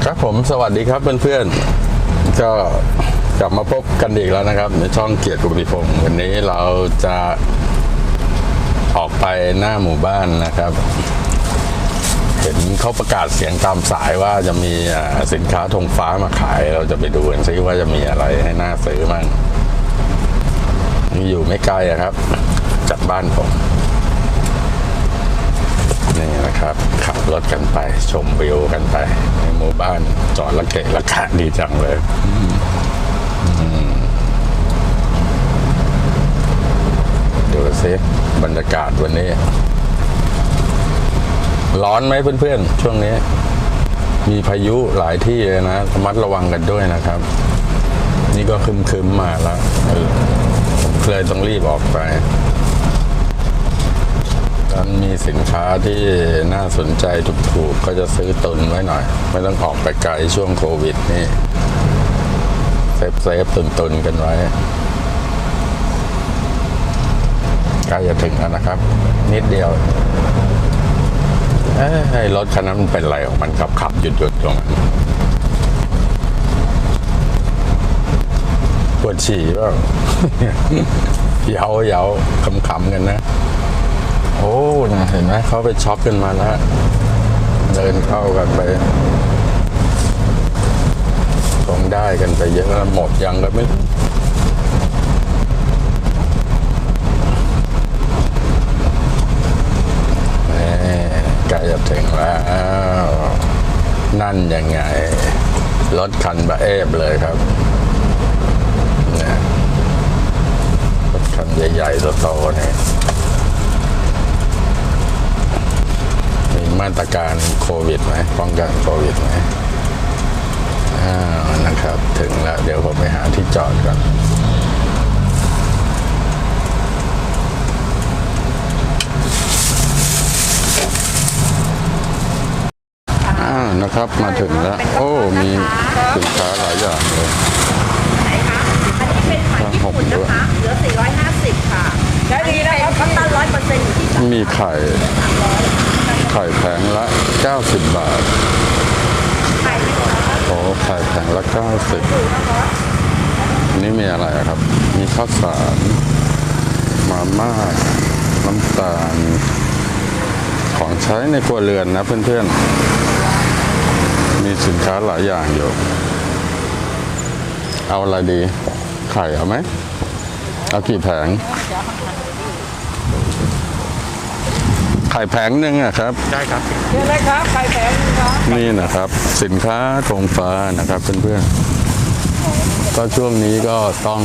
ครับผมสวัสดีครับเพื่อนๆก็กลับมาพบกันอีกแล้วนะครับในช่องเกียรติกุฏิพงศ์วันนี้เราจะออกไปหน้าหมู่บ้านนะครับเห็นเขาประกาศเสียงตามสายว่าจะมีสินค้าธงฟ้ามาขายเราจะไปดูกันซิว่าจะมีอะไรให้น่าซื้อมั่งนี่อยู่ไม่ไกลครับจากบ้านผมนี่นะครับขับรถกันไปชมวิวกันไปในหมู่บ้านจอดละเกะละกะดีจังเลยดูสิบรรยากาศวันนี้ร้อนไหมเพื่อนๆช่วงนี้มีพายุหลายที่เลยนะระมัดระวังกันด้วยนะครับนี่ก็คึมๆมาแล้วผมเลยต้องรีบออกไปมันมีสินค้าที่น่าสนใจถูกๆก็จะซื้อตุนไว้หน่อยไม่ต้องออกไปไกลช่วงโควิดนี่เซฟตุนกันไว้ใกล้จะถึงแล้วนะครับนิดเดียวไอ้รถคันนั้นมันเป็นอะไรของมันขับหยุดตรงนั้นปวดฉี่เปล่า เยาขำๆกันนะโอ้นะเห็นไหมเขาไปช็อปกันมาแล้วเดินเข้ากันไปคงได้กันไปเยอะแล้วหมดยังก็ไม่ใกล้จะถึงแล้วนั่นยังไงรถคันบะเอฟเลยครับเนี่ยรถคันใหญ่ๆโตๆเนี่ยมาตรการโควิดไหมป้องกันโควิดไหมนะครับถึงแล้วเดี๋ยวผมไปหาที่จอดก่อนนะครับมาถึงแล้วโอ้มีสินค้าหลายอย่างเลยไหนคะอันนี้เป็นไข่ญี่ปุ่นนะคะเหลือ450ค่ะได้ดีนะครับคัตตัน100%อยู่ที่มีไข่แผงละ90 บาทไข่ไม่หมดนะคะโอ้ไข่แผงละ90นี่มีอะไรครับมีข้าวสารมาม่าน้ำตาลของใช้ในครัวเรือนนะเพื่อนๆมีสินค้าหลายอย่างอยู่เอาอะไรดีไข่เอาไหมเอากี่แผงไข่แผงหนึ่งอะครับได้ครับเยอะเลยครับไข่แพงครับนี่นะครับสินค้าธงฟ้านะครับเพื่อนๆก็ช่วงนี้ก็ต้อง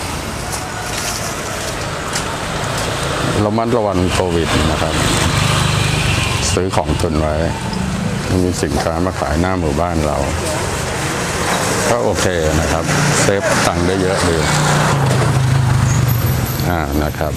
ระมัดระวังโควิดนะครับซื้อของตุนไว้มีสินค้ามาขายหน้าหมู่บ้านเราก็โอเคนะครับเซฟตังค์ได้เยอะดีนะครับ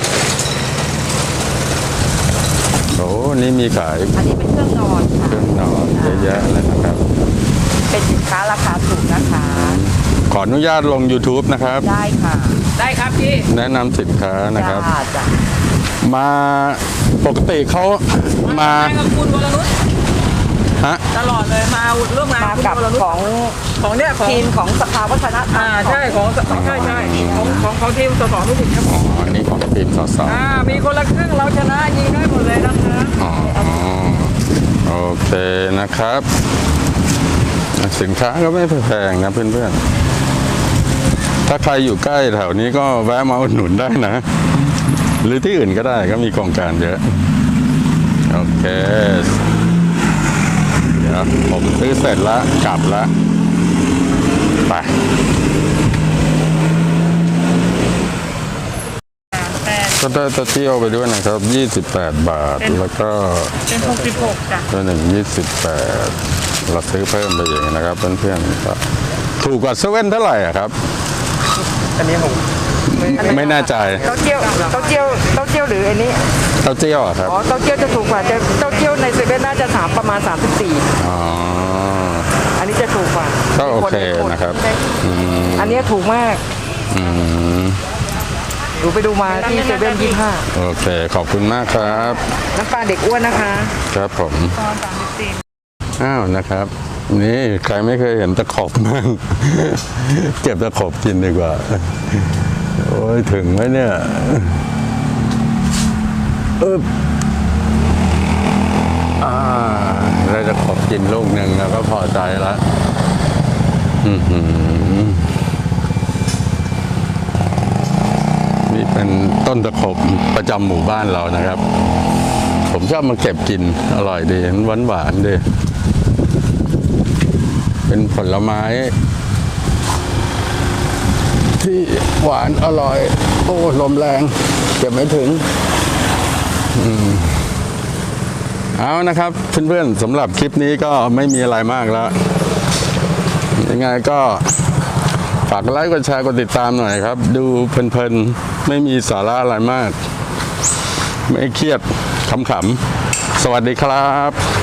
โอ้นี่มีขายอันนี้เป็นเครื่องนอนค่ะเครื่องนอนเยอะแยะเลยนะครับเป็นสินค้าราคาถูกนะคะขออนุญาตลง YouTube นะครับได้ค่ะได้ครับพี่แนะนำสินค้านะครับจ้ะมาปกติเขามากับคุณวรนุชตลอดเลยมาร่วมงานกับของเนี่ยทีมของสภาวัฒนธรรมใช่ของใช่ของทีมสสไม่ถึงครับอันนี้ของทีมสสมีคนละครึ่งเราชนะยิงได้หมดเลยนะคะโอเคนะครับสินค้าก็ไม่แพงนะเพื่อนๆถ้าใครอยู่ใกล้แถวนี้ก็แวะมาอุดหนุนได้นะหรือที่อื่นก็ได้ก็มีโครงการเยอะโอเคเดี๋ยวผมซื้อเสร็จแล้วกลับแล้วไปก็ได้ตะเที่ยวไปด้วยนะครับ28 บาทแล้วก็เป็น66จ้ะตัวหนึ่ง28เราซื้อเพิ่มไปอย่างนะครับเพื่อนๆก็ถูกกว่าเซเว่นเท่าไหร่ครับอันนี้ผมไม่แน่ใจเต้าเจี้ยวหรืออันนี้เต้าเจี้ยวครับเต้าเจี้ยวจะถูกกว่าเต้าเจี้ยวในเซเว่นน่าจะประมาณ34อันนี้จะถูกกว่าก็โอเคนะครับอันนี้ถูกมากดูไปดูมาที่เซเว่น25 โอเคขอบคุณมากครับน้ำปลาเด็กอ้วนนะคะครับผมอ้าวนะครับนี่ใครไม่เคยเห็นตะขบมั่ง เก็บตะขบกินดีกว่า โอ้ยถึงไหมเนี่ยเราจะขบกินลูกหนึ่งแล้วก็พอใจแล้วนี่เป็นต้นตะขบประจำหมู่บ้านเรานะครับ ผมชอบมาเก็บกินอร่อยดีหวานหวานดีเป็นผลไม้ที่หวานอร่อย โอ้ลมแรงเก็บไม่ถึงเอานะครับเพื่อนๆสำหรับคลิปนี้ก็ไม่มีอะไรมากแล้วยังไงก็ฝากกดไลค์กดแชร์กดติดตามหน่อยครับ ดูเพลินๆไม่มีสาระอะไรมาก ไม่เครียดขำๆสวัสดีครับ